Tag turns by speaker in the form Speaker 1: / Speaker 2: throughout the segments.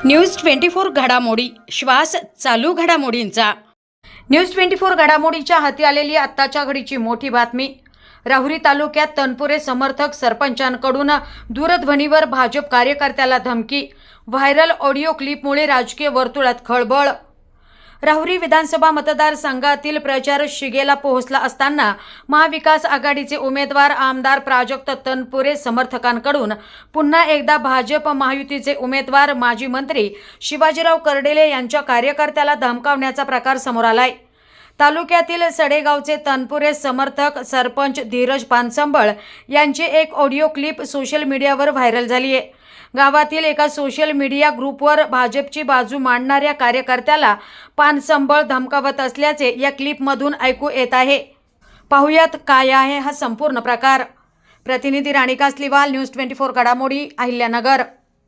Speaker 1: News 24 घडामोडी श्वास चालू घडामोडींचा। न्यूज 24 घडामोडीच्या हाती आलेली आत्ताच्या घडीची मोठी बातमी। राहुरी तालुक्यात तनपुरे समर्थक सरपंचांकडून दूरध्वनीवर भाजप कार्यकर्त्याला धमकी। व्हायरल ऑडिओ क्लिपमुळे राजकीय वर्तुळात खळबळ। राहुरी विधानसभा मतदारसंघातील प्रचार शिगेला पोहोचला असताना महाविकास आघाडीचे उमेदवार आमदार प्राजक्त तनपुरे समर्थकांकडून पुन्हा एकदा भाजप महायुतीचे उमेदवार माजी मंत्री शिवाजीराव कर्डेले यांच्या कार्यकर्त्याला धमकावण्याचा प्रकार समोर आलाय। तालुक्यातील सडेगावचे तनपुरे समर्थक सरपंच धीरज पानसंबळ यांची एक ऑडिओ क्लिप सोशल मीडियावर व्हायरल झाली आहे। गावातील एका सोशल मीडिया ग्रुपवर भाजपची बाजू मांडणाऱ्या कार्यकर्त्याला पानसंबळ धमकावत असल्याचे या क्लिपमधून ऐकू येत आहे। पाहुयात काय आहे हा संपूर्ण प्रकार। प्रतिनिधी राणी कासलीवाल, न्यूज 24 घडामोडी, अहिल्यानगर।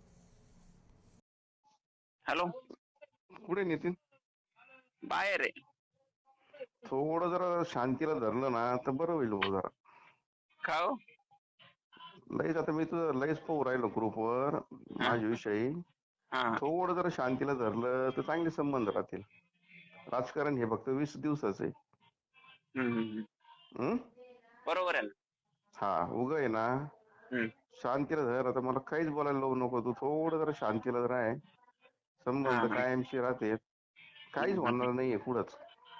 Speaker 2: हॅलो,
Speaker 3: कुठे नितीन?
Speaker 2: बाहेर आहे।
Speaker 3: थोडं जरा शांतीला धरलं ना तर बरं होईल भाऊ जरा।
Speaker 2: का हो?
Speaker 3: लईच आता मी तुझं लईच पाहू राहिलो ग्रुपवर माझ्याविषयी। थोडं जरा शांतीला धरलं तर चांगले संबंध राहतील। राजकारण हे फक्त 20 दिवसाचं आहे।
Speaker 2: बरोबर आहे ना?
Speaker 3: हा, उगा आहे ना, शांतीला धर। आता मला काहीच बोलायला लावू नको, तू थोडं जरा शांतीला राह। संबंध कायमशी राहते, काहीच होणार नाहीये पुढंच।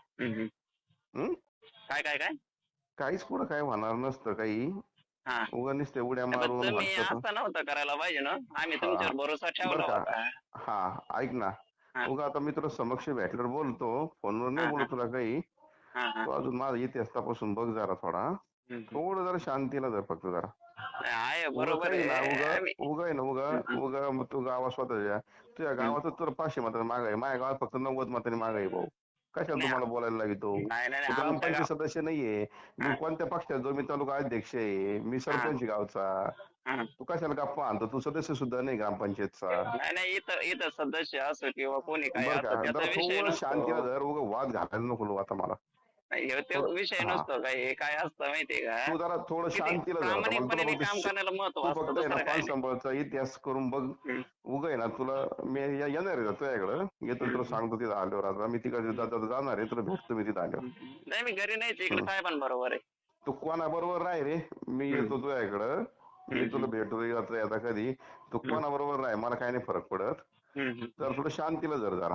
Speaker 2: काय काय काय
Speaker 3: काहीच पुढं काय होणार नसतं काही। उगा नुसते उड्या मारून
Speaker 2: तुम्ही असं नव्हतं करायला पाहिजे ना। आम्ही तुमच्यावर भरोसा ठेवला होता।
Speaker 3: हा, ऐक ना, उगा आता मी तुला समक्ष भेटल्यावर बोलतो, फोनवर नाही बोलत तुला काही। तू अजून माझा इतिहास तपासून बघ जरा थोडा। थोडं जरा शांतीला धर फक्त जरा।
Speaker 2: आहे बरोबर आहे
Speaker 3: ना, उगा आहे ना, उगा तू गावात स्वतःच्या तुझ्या गावात तुला 500 मतांनी माग आहे, माझ्या गावात फक्त 90 मतांनी माग आहे भाऊ। कशाला तुम्हाला बोलायला लागतो? ग्रामपंचायत सदस्य नाहीये मी, कोणत्या पक्षात जो मी तालुका अध्यक्ष आहे, मी सरपंच गावचा। तू कशाला गप्पा आणतो? तू सदस्य सुद्धा नाही ग्रामपंचायतचा।
Speaker 2: नाही, इथं सदस्य असो किंवा कोणी काय
Speaker 3: थोडं शांतीला धर, उगा वाद घालायला नको आता मला।
Speaker 2: विषय नसतो काय असतं माहितीये का?
Speaker 3: तू जरा थोडं शांतीला धर।
Speaker 2: काम करायला महत्व असतं।
Speaker 3: पानसंबळचा इतिहास करून बघ। उगा आहे ना, तुला मी येणार आहे तुझ्याकडं, येतो तुला सांगतो तिथं आल्यावर। आता मी तिकडे जाणार आहे, तुला भेटतो मी तिथं आल्यावर।
Speaker 2: नाही, मी घरी नाही, इकडे काय पण बरोबर आहे।
Speaker 3: तू कोणा बरोबर राह रे, मी येतो तुझ्याकडं, मी तुला भेटतो आता कधी। तू कोणा बरोबर राह, मला काही नाही फरक पडत। तर थोडं शांतीला धर जरा।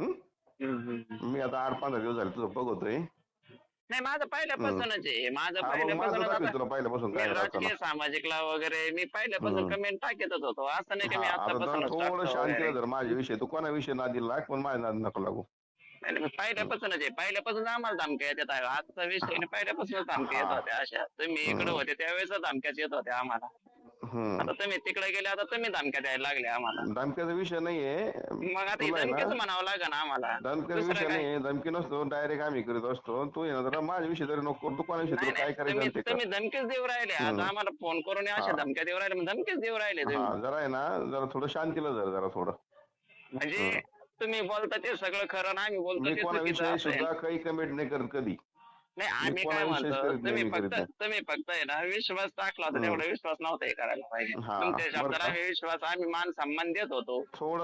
Speaker 3: मी आता 8-15 दिवस झाले तुझं बघतोय।
Speaker 2: नाही, माझं पहिल्यापासूनच आहे।
Speaker 3: पहिल्यापासून काय
Speaker 2: राजकीय सामाजिकला वगैरे मी पहिल्यापासून कमेंट टाकतच होतो। असं नाही की मी आतापासून
Speaker 3: थोडं शांतीला धर माझ्याविषयी। तू कोणाविषयी नादी लाग, पण माझ्या नादी नको लागू।
Speaker 2: पहिल्यापासूनच आहे, पहिल्यापासून आम्हाला धमक्या येतात। आजचा विषय नाही, पहिल्यापासूनच धमक्या येत होत्या अशा। तुम्ही इकडे होते त्यावेळेस धमक्याच येत होत्या आम्हाला। आता तुम्ही तिकडे गेले, आता तुम्ही धमक्या द्यायला लागले आम्हाला।
Speaker 3: धमक्याचा विषय नाहीये,
Speaker 2: मग आता धमक्याच म्हणावं लागेल आम्हाला।
Speaker 3: धमक्याचा विषय नाही, धमकी नसतो, डायरेक्ट आम्ही करीत असतो। तू जरा माझ्याविषयी तरी नको, तू कोणाविषयी तुला काय करायचं
Speaker 2: तुम्ही धमकीच देऊ राहिले। आता आम्हाला फोन करून अशा धमक्या देऊ राहिले, मग धमकीच देऊ राहिले तुम्ही।
Speaker 3: जरा आहे ना, जरा थोडं शांतीला जरा थोडं।
Speaker 2: म्हणजे तुम्ही बोलता ते सगळं खरं ना, आम्ही बोलतो ते
Speaker 3: कोणाविषयी सुद्धा काही कमेंट नाही करत कधी।
Speaker 2: नाही, आम्ही काय म्हणतो, तुम्ही फक्त आहे ना विश्वास टाकला होता, तेवढा विश्वास नव्हता हे करायला पाहिजे। तुमच्या शब्दाला आम्ही विश्वास, आम्ही मान सन्मान देत होतो।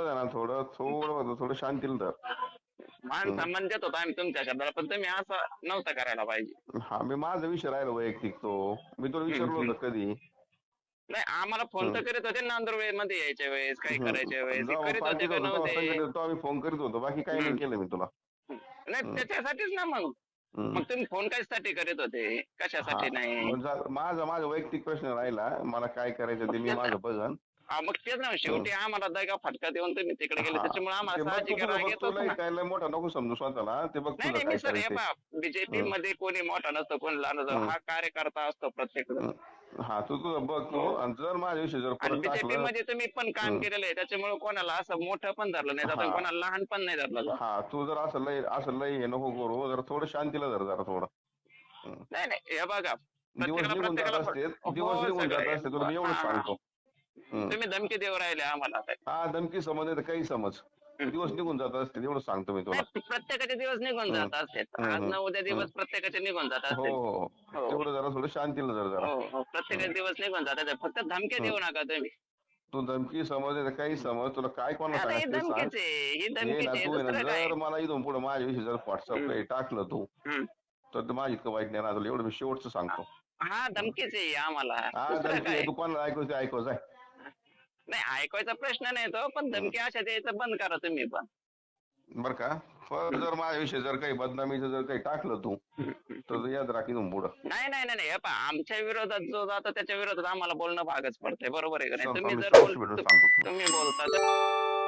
Speaker 3: थोडं शांतीला धर।
Speaker 2: मान सन्मान देत होतो आम्ही तुमच्या शब्दाला, पण तुम्ही असं नव्हतं करायला पाहिजे।
Speaker 3: हा, मी माझा विषय राहिला वैयक्तिक, तो मी तुला विचारलो होतं कधी?
Speaker 2: नाही, आम्हाला फोन तर करीत होते नांदुरबार मध्ये यायच्या वेळेस, काही करायच्या वेळेस करीत होते का नव्हते?
Speaker 3: आम्ही फोन करीत होतो, बाकी काही नाही केलं मी तुला।
Speaker 2: नाही, त्याच्यासाठीच ना मग तुम्ही फोन कशासाठी करीत होते, कशासाठी नाही?
Speaker 3: माझा वैयक्तिक प्रश्न राहिला, मला काय करायचं ते मी माझं बघन।
Speaker 2: मग तेच ना, शेवटी आम्हाला दगा फटका देऊन तुम्ही तिकडे गेले, त्याच्यामुळे आम्हाला साहजिक राग येतो ना।
Speaker 3: काय मोठा नको समजू स्वतःला, ते बघ तुझं काय करायचं।
Speaker 2: बीजेपी मध्ये कोणी मोठा नसतो, कोणी लहान नसतो, हा कार्यकर्ता असतो प्रत्येक जण।
Speaker 3: हा, तू तुझं बघ तू, आणि जर माझ्याविषयी जर
Speaker 2: बीजेपी मध्ये तुम्ही पण काम केलेलं आहे, त्याच्यामुळे कोणाला असं मोठं पण धरलं नाही जात, कोणाला लहान पण नाही धरलं।
Speaker 3: हा, तू जर असं लय हे नको करू, जरा थोडं शांतीला धर जरा थोडं।
Speaker 2: नाही, हे बघा,
Speaker 3: दिवस निघून जात असते, तुला मी एवढं सांगतो।
Speaker 2: तुम्ही धमकी देऊ राहिले आम्हाला।
Speaker 3: हा, धमकी समज नाही तर काही समज, दिवस निघून जात असते, एवढं सांगतो मी तुला।
Speaker 2: प्रत्येकाचे दिवस निघून जात असतात, आज ना उद्या दिवस प्रत्येकाचे निघून जात असतात।
Speaker 3: हो, तेवढं जरा थोडं शांतीला जरा।
Speaker 2: प्रत्येकाचे दिवस निघून जातात, फक्त धमक्या देऊ नका तुम्ही।
Speaker 3: तू धमकी समज नाही तर काही समज, तुला काय कोणाला
Speaker 2: आता ही
Speaker 3: सांगायचं ते सांग.
Speaker 2: धमकीच आहे, ही
Speaker 3: हे ना
Speaker 2: धमकीच आहे,
Speaker 3: तू आहे ना,
Speaker 2: दुसरं काय?
Speaker 3: जर मला इथून पुढे माझ्याविषयी जर व्हॉट्सअपला टाकलं तू
Speaker 2: हम्म.
Speaker 3: तर ते माझी इतकं वाईट नाही राहतं, एवढं मी शेवटचं सांगतो.
Speaker 2: हा धमकीच आहे आम्हाला,
Speaker 3: हा
Speaker 2: दुसरं
Speaker 3: धमकी
Speaker 2: काय?
Speaker 3: आहे, तू कोणाला ऐकवते ऐकव जाय.
Speaker 2: नाही ऐकवायचा प्रश्न नाही तो, पण धमकी अशा द्यायचं बंद करा तुम्ही पण.
Speaker 3: बर का, परत जर माझ्याविषयी जर काही बदनामीचं जर काही टाकलं तू तर याद राख इथून पुढं.
Speaker 2: नाही नाही नाही नाही, हे पहा, आमच्या विरोधात जो जातो त्याच्या विरोधात आम्हाला बोलणं भागच पडतंय, बरोबर आहे का नाही?
Speaker 3: सांगतो
Speaker 2: तुम्ही
Speaker 3: मी
Speaker 2: जर
Speaker 3: स्पष्ट भेटून सांगतो तुला.
Speaker 2: तुम्ही बोलता तर